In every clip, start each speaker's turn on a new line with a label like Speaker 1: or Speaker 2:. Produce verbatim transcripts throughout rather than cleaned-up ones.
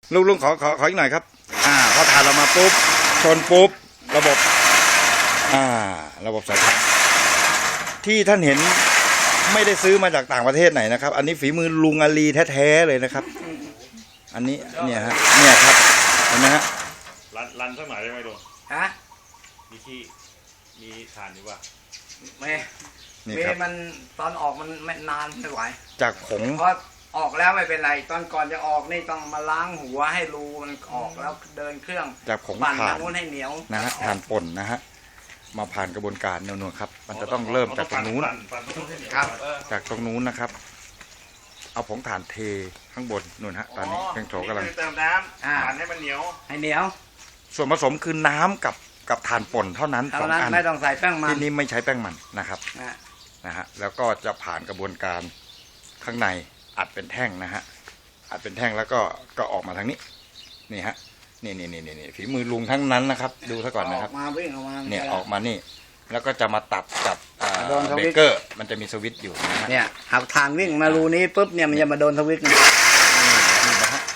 Speaker 1: ลุงลุงขอขอขออีกหน่อยครับอ่าพอถ่านเรามาปุ๊บชนปุ๊บระบบอ่าระบบสายพานที่ท่านเห็นไม่ได้ซื้อมาจากต่างประเทศไหนนะครับอันนี้ฝีมือลุงอาลีแท้ๆเลยนะครับอันนี้เนี่ยฮะเนี่ยครับเห็นไหมฮะ
Speaker 2: รันรันสักหน่อยได้ไหมลุง
Speaker 3: ฮะ
Speaker 2: มีที่มีฐานอยู่ป่ะ
Speaker 3: ไม่เมย์มันตอนออกมันไม่นานไม่ไหว
Speaker 1: จากผง
Speaker 3: เพราะออกแล้วไม่เป็นไรตอนก่อนจะออกนี่ต้องมาล้างหัวให้รูมันออกแล้วเดินเครื่อง
Speaker 1: จากผง
Speaker 3: ปั่น
Speaker 1: ถ่าน
Speaker 3: นู้นให้เหนียว
Speaker 1: นะฮะถ่านป่นนะฮะมาผ่านกระบวนการนวลๆครับมันจะต้องเริ่มจากตรงนู้น
Speaker 3: ครับ
Speaker 1: จากตรงนู้นนะครับเอาผงถ่านเทข้างบนนู่นฮะตอนนี้เครื่องโถกำลัง
Speaker 2: เติมน้ำปั่นให้มันเหนียว
Speaker 3: ให้เหนียว
Speaker 1: ส่วนผสมคือน้ำกับกับถ่านป่นเท่านั้น
Speaker 3: สองอันไม่ต้องใส่แป้งมัน
Speaker 1: ที่นี้ไม่ใช้แป้งมันนะครับนะฮะแล้วก็จะผ่านกระบวนการข้างในอัดเป็นแท่งนะฮะอัดเป็นแท่งแล้วก็ก็ออกมาทางนี้นี่ฮะนี่นี่นี่นี่ฝีมือลุงทั้งนั้นนะครับดูซะก่อนนะครับ
Speaker 3: มาวิ่งออกมา
Speaker 1: เนี่ยออกมานี่แล้วก็จะมาตัดกับเบเกอร์มันจะมีสวิตช์อยู่
Speaker 3: เนี่ยหักทางวิ่งมารูนี้ปุ๊บเนี่ยมันจะมาโดนสวิตช์นี่
Speaker 1: นะฮะ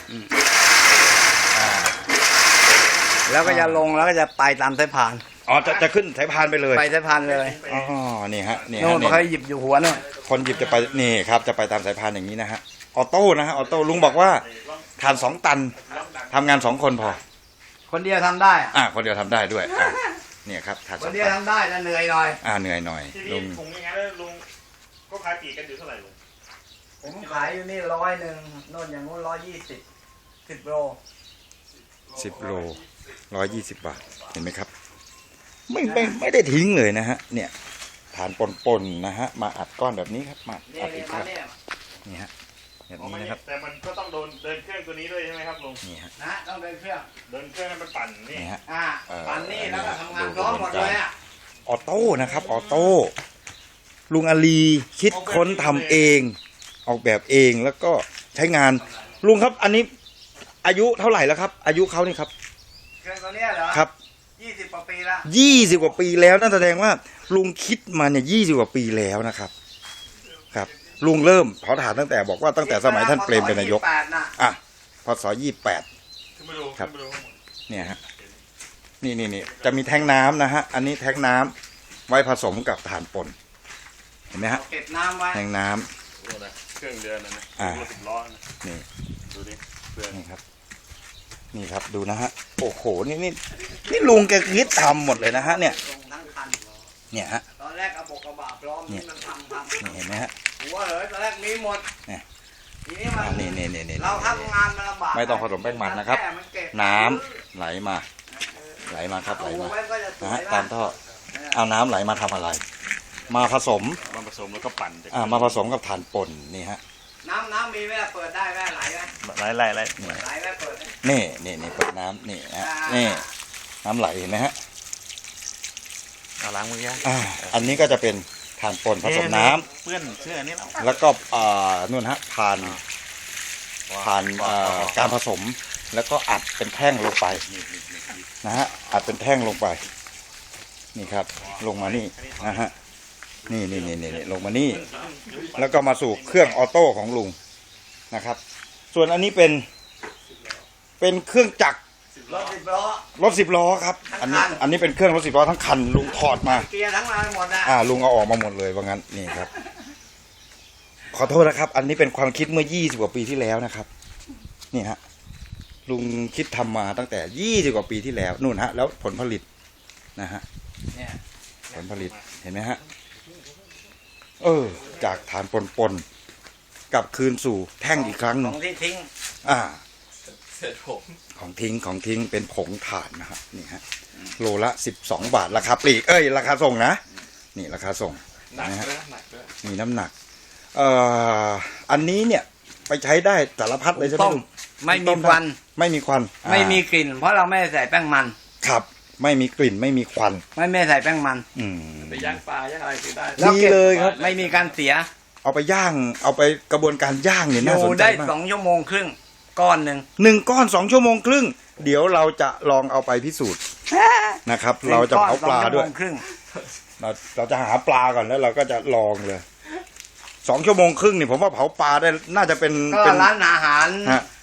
Speaker 3: แล้วก็จะลงแล้วก็จะไปตามสายพาน
Speaker 1: อ๋อจะจะขึ้นสายพานไปเลย
Speaker 3: ไปสายพานเลย
Speaker 1: อ๋อนี่ฮะนี่
Speaker 3: ฮะเขาหยิบอยู่หัวนู่น
Speaker 1: คนหยิบจะไปนี่ครับจะไปตามสายพานอย่างนี้นะฮะออโต้นะฮะออโต้ลุงบอกว่าทานสองตันทำงานสองคนพอ
Speaker 3: คนเดียวทำได้
Speaker 1: อ่าคนเดียวทำได้ด้วยอ่าเนี่ยครับทาน
Speaker 3: คนเดียวทำได้แต่เหนื่อยหน่อย
Speaker 1: อ่าเหนื่อยหน่อย
Speaker 2: ลุงถุงยังไงแล้วลุงก็ขายปีกันอยู่เท่าไหร่ลุง
Speaker 3: ผมขายอยู่นี่ร้อยหนึ่งโน่นอย่างโน้นร้อยยี่สิบสิบโล
Speaker 1: สิบโลร้อยยี่สิบบาทเห็นไหมครับไม่ไม่ไม่ได้ทิ้งเลยนะฮะเนี่ยฐานปนๆนะฮะมาอัดก้อนแบบนี้ครับมาอัดอีกครับนี่ฮะแบบนี้นะครับ
Speaker 2: แต่มันก็ต้องโดนเดินเครื่องตัวนี้ด้วยใช่ไหมครับลุง
Speaker 1: นี่ฮะ
Speaker 3: นะต้องเดินเครื่อง
Speaker 2: เดินเครื่องให้มันปั่นนี่
Speaker 1: ฮะ
Speaker 3: อ่าปั่นนี่แล้วก็ทำงานพร้อมหมดเลยอ่ะ
Speaker 1: ออโต้นะครับออโต้ลุงอาลีคิดค้นทำเองออกแบบเองแล้วก็ใช้งานลุงครับอันนี้อายุเท่าไหร่แล้วครับอายุเขานี่ครับ
Speaker 3: เครื่องตัวนี้เหรอ
Speaker 1: ครับ
Speaker 3: ยี่สิบกว่าปีแล้ว
Speaker 1: ยี่สิบกว่าปีแล้วนั่นแสดงว่าลุงคิดมาเนี่ยยี่สิบกว่าปีแล้วนะครับครับลุงเริ่มเผาถ่านตั้งแต่บอกว่าตั้งแต่สมัยท่านเปรมเป็นนายกอ่ะพศยี่สิบแปดครับเนี่ยฮะนี่นี่นี่จะมีแท้งน้ำนะฮะอันนี้แท้งน้ำไว้ผสมกับถ่านป่นเห็นไหมฮะ
Speaker 3: เก็บน้ำไว้
Speaker 1: แท้งน้
Speaker 2: ำเครื่องเดือนนะ
Speaker 1: อ่า
Speaker 2: นี่ดูดิเพื่อน
Speaker 1: นี่ครับนี่ครับดูนะฮะโอ้โหนี่นี่นี่ลุงแกคิดทำหมดเลยนะฮะเนี่ยเนี่ยฮะ
Speaker 3: ตอนแรกเอาปกกระบะพร้อมนี่มันทำทำ
Speaker 1: นี่เห็นไหมฮะ
Speaker 3: หัวเหยตอนแรกมีหมด
Speaker 1: เนี่ย
Speaker 3: ทีนี้มัน
Speaker 1: นี่นี่นี่นี่
Speaker 3: เราทำงานมันลำบาก
Speaker 1: ไม่ต้องผสมแป้งมันนะครับน้ำไหลมาไหลมาครับไหลมานะฮะตามท่อเอาน้ำไหลมาทำอะไร มาผสม
Speaker 2: มาผสมแล้วก็ปั่น
Speaker 1: อ่ามาผสมกับถ่านป่นนี่ฮะ
Speaker 3: น้ำน้ำมีไหมเปิดได้ไหมไหลไหม
Speaker 2: ไหลไหลไหล
Speaker 3: ไหลไหมเปิด
Speaker 1: นี่นี่นี่เปิดน้ำนี่ฮะนี่น้ำไหลเห็นไหมฮะ
Speaker 2: เอาล้างมือยัง
Speaker 1: อ่าอันนี้ก็จะเป็นถ่านป่นผสมน้ำ
Speaker 2: เปื้อนเสื้อนี่แล้ว
Speaker 1: แล้วก็อ่านู่นฮะผ่านผ่านการผสมแล้วก็อัดเป็นแท่งลงไปนะฮะอัดเป็นแท่งลงไปนี่ครับลงมานี่นะฮะนี่นี่นี่นี่ลงมานี่แล้วก็มาสู่เครื่องออโต้ของลุงนะครับส่วนอันนี้เป็นเป็นเครื่องจักร
Speaker 3: รถสิบล้อ
Speaker 1: รถสิบล้อครับอันนี้อันนี้เป็นเครื่องรถสิบล้อทั้งคันลุงถอดมา
Speaker 3: เกียร์ทั้งมาหมดนะ
Speaker 1: อ่าลุงเอาออกมาหมดเลยว่างั้นนี่ครับขอโทษนะครับอันนี้เป็นความคิดเมื่อยี่สิบกว่าปีที่แล้วนะครับนี่ฮะลุงคิดทำมาตั้งแต่ยี่สิบกว่าปีที่แล้วนู่นฮะแล้วผลผลิตนะฮะผลผลิตเห็นไหมฮะเออจากฐานปนๆกลับคืนสู่แท่งอีกครั้งหนึ่ง
Speaker 3: ของที่ทิ้ง
Speaker 1: อ่าของทิ้งของทิ้งเป็นผงถ่านนะฮะนี่ฮะโลละสิบสองบาทราคาปลีกเอ้ยราคาส่งนะนี่ราคาส่งนะฮะมีน้ำหนักเอ่ออันนี้เนี่ยไปใช้ได้สารพัดเลยใช่ไหม
Speaker 3: ไม่มีควัน
Speaker 1: ไม่มีควัน
Speaker 3: ไม่มีกลิ่นเพราะเราไม่ใส่แป้งมัน
Speaker 1: ครับไม่มีกลิ่นไม่มีควัน
Speaker 3: ไม่ไม่ใส่แป้งมัน
Speaker 1: อืม
Speaker 2: ไปย่างปลาย่างอะไรก็ได้
Speaker 1: ดีเลยครับ
Speaker 3: ไม่มีการเสีย
Speaker 1: เอาไปย่างเอาไปกระบวนการย่างเนี่ยน่าสนใจมาก
Speaker 3: ได้สองชั่วโมงครึ่งก้อนหนึ่ง
Speaker 1: หนึ่งก้อนสองชั่วโมงครึ่งเดี๋ยวเราจะลองเอาไปพิสูจน์นะครับเราจะเผาปลาด้วยเราเราจะหาปลาก่อนแล้วเราก็จะลองเลยสองชั่วโมงครึ่งนี่ผมว่าเผาปลาได้น่าจะเป็น
Speaker 3: ก็ร้านอาหาร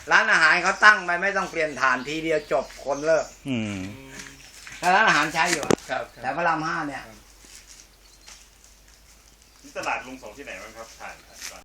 Speaker 3: ร้านอาหารเขาตั้งไปไม่ต้องเปลี่ยนฐานทีเดียวจบคนเลิก
Speaker 1: อืม
Speaker 3: แต่ร้านอาหารใช้อยู่อะ
Speaker 4: ครับ
Speaker 3: แต่พระรามห้าเนี่ย
Speaker 2: นี่ตลาดลุงส่งที่ไหนบ้างครับผ่านผ่าน